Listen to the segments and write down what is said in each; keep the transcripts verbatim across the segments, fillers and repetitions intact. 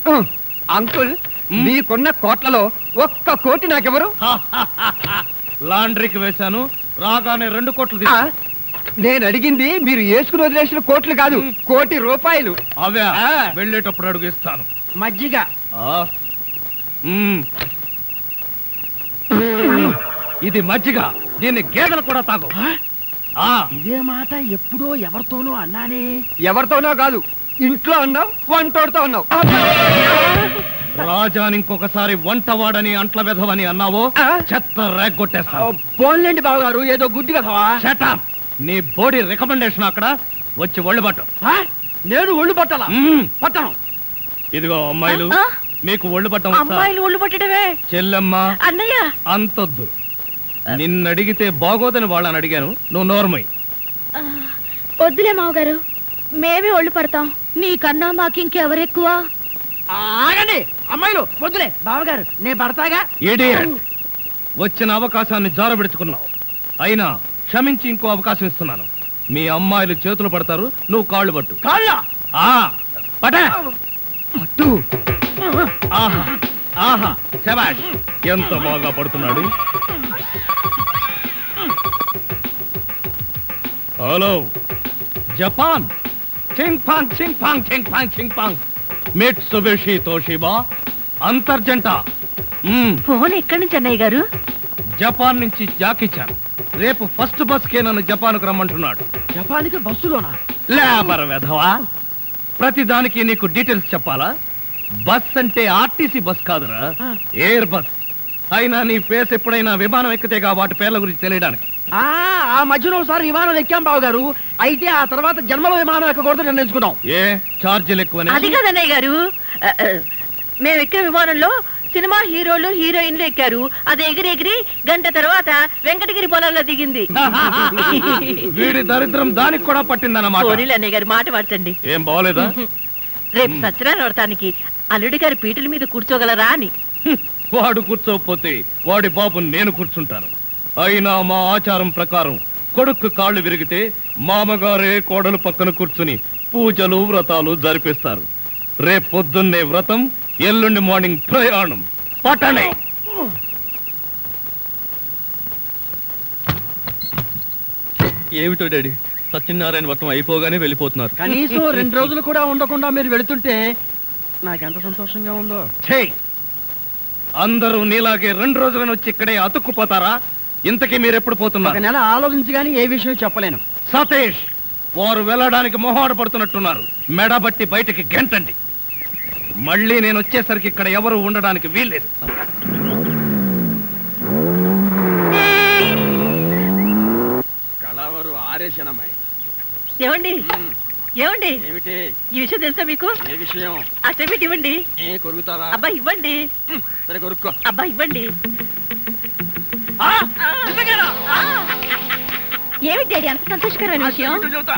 Uncle మీకున్న కోట్లలో ఒక్క కోటి నాకెవరు? లాండ్రీకి వేశాను, రాగానే రెండు కోట్లు. నేను అడిగింది మీరు వేసుకుని వదిలేసిన కోట్లు కాదు, కోటి రూపాయలు. అవే వెళ్ళేటప్పుడు అడుగు ఇస్తాను. మజ్జిగ ఇది మజ్జిగ, దీన్ని గేదెలు కూడా తాగు. ఇదే మాట ఎప్పుడో ఎవరితోనో అన్నానే. ఎవరితోనో కాదు, ఇంట్లో అన్నావు, వంటోడుతో అన్నావు. రాజాని ఇంకొకసారి వంటవాడని అంట్ల వెధవని అన్నావో చెత్త రేగొట్టేస్తావు. పోన్లేండి బావగారు, ఏదో గుడ్డి కదవా. షటప్. నీ బోడీ రికమెండేషన్ అక్కడ వచ్చి ఒళ్ళు పట్టు. నేను ఒళ్ళు పట్టాలా? పట్టను. ఇదిగో అమ్మాయిలు, మీకు ఒళ్ళు పట్టం. అమ్మాయిలు ఒళ్ళు పట్టడమే. చెల్లెమ్మ అన్నయ్య అంతొద్దు. నిన్ను అడిగితే బాగోదని వాళ్ళని అడిగాను, నువ్వు నోర్మై. వద్దులే మావగారు, మేమే ఒళ్ళు పడతాం. నీకన్నా మాకింకెవరెక్కువ? ఆగండి అమ్మాయిలు, వద్దులే బావగారు, నేను పడతాగా. ఇడియట్. వచ్చిన అవకాశాన్ని జారబెడుచుకున్నావు. అయినా క్షమించి ఇంకో అవకాశం ఇస్తున్నాను. మీ అమ్మాయిలు చేతులు పడతారు, నువ్వు కాళ్ళు పట్టు. కాళ్ళ పట్టు. ఆహా ఆహా, శభాష్, ఎంత బాగా పడుతున్నాడు. Hello Japan. చింగ్ పాంగ్ చింగ్ పాంగ్ చింగ్ పాంగ్ చింగ్ పాంగ్. మిట్సుబిషి తోషిబా అంతర్జంట. ఫోన్ ఎక్కడి నుంచి అన్నయ్య గారు? జపాన్ నుంచి జాకిచాన్. రేపు ఫస్ట్ బస్ కే నన్ను జపాన్ కు రమ్మంటున్నాడు. జపాన్కి బస్సులోనా? లేబర్ వెధవా, ప్రతి దానికి నీకు డీటెయిల్స్ చెప్పాలా? బస్ అంటే ఆర్టీసీ బస్ కాదురా, ఎయిర్ బస్. అయినా నీ ఫేస్ ఎప్పుడైనా విమానం ఎక్కితేగా వాటి పేర్ల గురించి తెలియడానికి. ఆ మధ్యలో ఒకసారి విమానం ఎక్కాం బాబు గారు. అయితే ఆ తర్వాత జన్మలో విమానం ఎక్కకూడదు నిర్ణయించుకున్నాం. ఏ ఛార్జీలు ఎక్కువ? అది కాదన్నయ్య గారు, మేము ఎక్కే విమానంలో సినిమా హీరోలు హీరోయిన్లు ఎక్కారు. అది ఎగిరి ఎగిరి గంట తర్వాత వెంకటగిరి పొలంలో దిగింది. వీడి దరిద్రం దానికి కూడా పట్టిందన్నమాట. అన్నయ్య గారు మాట మార్చండి. ఏం బాగోలేదా? రేపు సత్యనారాయణ వ్రతానికి అల్లుడి గారి పీటల మీద కూర్చోగలరా అని. వాడు కూర్చోకపోతే వాడి బాబు నేను కూర్చుంటాను. అయినా మా ఆచారం ప్రకారం కొడుకు కాళ్ళు విరిగితే మామగారే కోడలు పక్కన కూర్చుని పూజలు వ్రతాలు జరిపిస్తారు. రేపు పొద్దున్నే వ్రతం, ఎల్లుండి మార్నింగ్ ప్రయాణం. పట్టణే. ఏమిటో డాడీ, సత్యనారాయణ వ్రతం అయిపోగానే వెళ్ళిపోతున్నారు. కనీసం రెండు రోజులు కూడా ఉండకుండా మీరు వెళుతుంటే నాకెంత సంతోషంగా ఉందో. అందరూ నీలాగే రెండు రోజులను వచ్చి ఇక్కడే అతుక్కుపోతారా? ఇంతకీ మీరు ఎప్పుడు పోతున్నారు? ఒక నెల ఆలోచించి గానీ ఏ విషయం చెప్పలేను. సతీష్, వారు వెళ్ళడానికి మొహాట పడుతున్నట్టున్నారు. మెడబట్టి బయటికి గెంటండి. మళ్ళీ నేను వచ్చేసరికి ఇక్కడ ఎవరు ఉండడానికి వీల్లేదు. కళావరు ఆరేషనమ్మాయి. ఏమండి ఏమండి ఏమిటి ఈ విషయం తెలుసా మీకు? ఏ విషయం? ఆ చెవిటి ఇవ్వండి. ఏ కొరుకుతావా? అబ్బా ఇవ్వండి. సరే కొరుక్కో. అబ్బా ఇవ్వండి. ఏమిటి డాడీ అంత సంతోషకరమైన విషయం?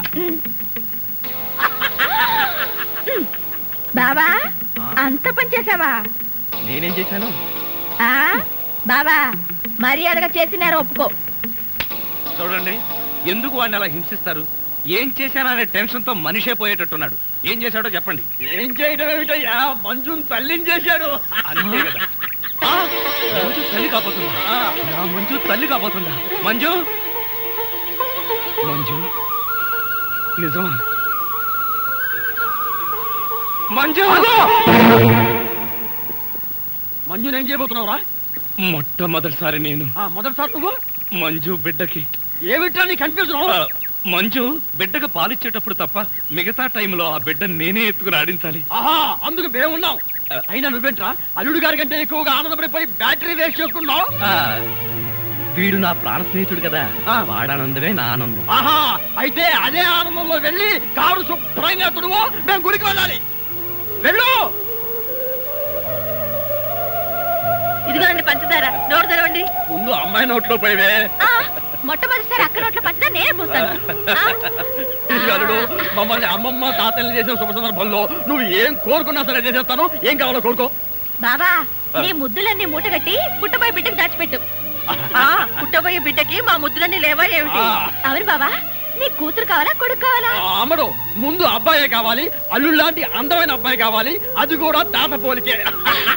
బాబా అంత పని చేసావా? నేనేం చేశాను? బాబా మర్యాదగా చేసినారు ఒప్పుకో. చూడండి, ఎందుకు వాడిని అలా హింసిస్తారు? ఏం చేశాననే టెన్షన్ తో మనిషే పోయేటట్టున్నాడు. ఏం చేశాడో చెప్పండి. ఏం చేయడం ఏమిటయ్యా, మంజుని తల్లిని చేశాడు. అంతే కదా. మంజు తల్లి కాబోతుందా? నా మంజు తల్లి కాబోతుందా? మంజు మంజు నిజమా? మంజు మంజుని ఏం చేయబోతున్నావురా? మొట్టమొదటిసారి నేను. మొదటిసారి నువ్వు మంజు బిడ్డకి ఏమిటా నీ కన్ఫ్యూజన్? మంజు బిడ్డకు పాలిచ్చేటప్పుడు తప్ప మిగతా టైంలో ఆ బిడ్డను నేనే ఎత్తుకుని ఆడించాలి. ఆహా, అందుకు మేమున్నాం. అయినా నువ్వేంట్రా అల్లుడు గారి కంటే ఎక్కువగా ఆనందపడిపోయి బ్యాటరీ వేస్ట్ చేసుకున్నావు? వీడు నా ప్రాణ స్నేహితుడు కదా, వాడానందమే నా ఆనందం. ఆహా, అయితే అదే ఆనందంలో వెళ్ళి కారు శుభ్రంగా తుడువు, మేము గుడికి వెళ్ళాలి. వెళ్ళు. ఇదిగోండి పంచదార, నోరు తెరవండి. ముందు అమ్మాయి నోట్లో పోయివే. మొట్టమొదటిసారి అక్క నోట్లో పంచదార నేనే పోస్తాను. అల్లుడు, మమ్మల్ని అమ్మమ్మ తాతల్ని చేసిన శుభ సందర్భంలో నువ్వు ఏం కోరుకున్నా సరే చేసేస్తాను. ఏం కావాలో కోరుకో. బాబా నీ ముద్దులన్నీ మూటగట్టి పుట్టబోయే బిడ్డకి దాచిపెట్టు. పుట్టబోయే బిడ్డకి మా ముద్దులన్నీ లేవా ఏమిటి? అవును బాబా. నీ కూతురు కావాలా కొడుకు కావాలా? అమ్మడు ముందు అబ్బాయే కావాలి, అల్లుళ్ళ లాంటి అందమైన అబ్బాయి కావాలి, అది కూడా తాత పోలికే.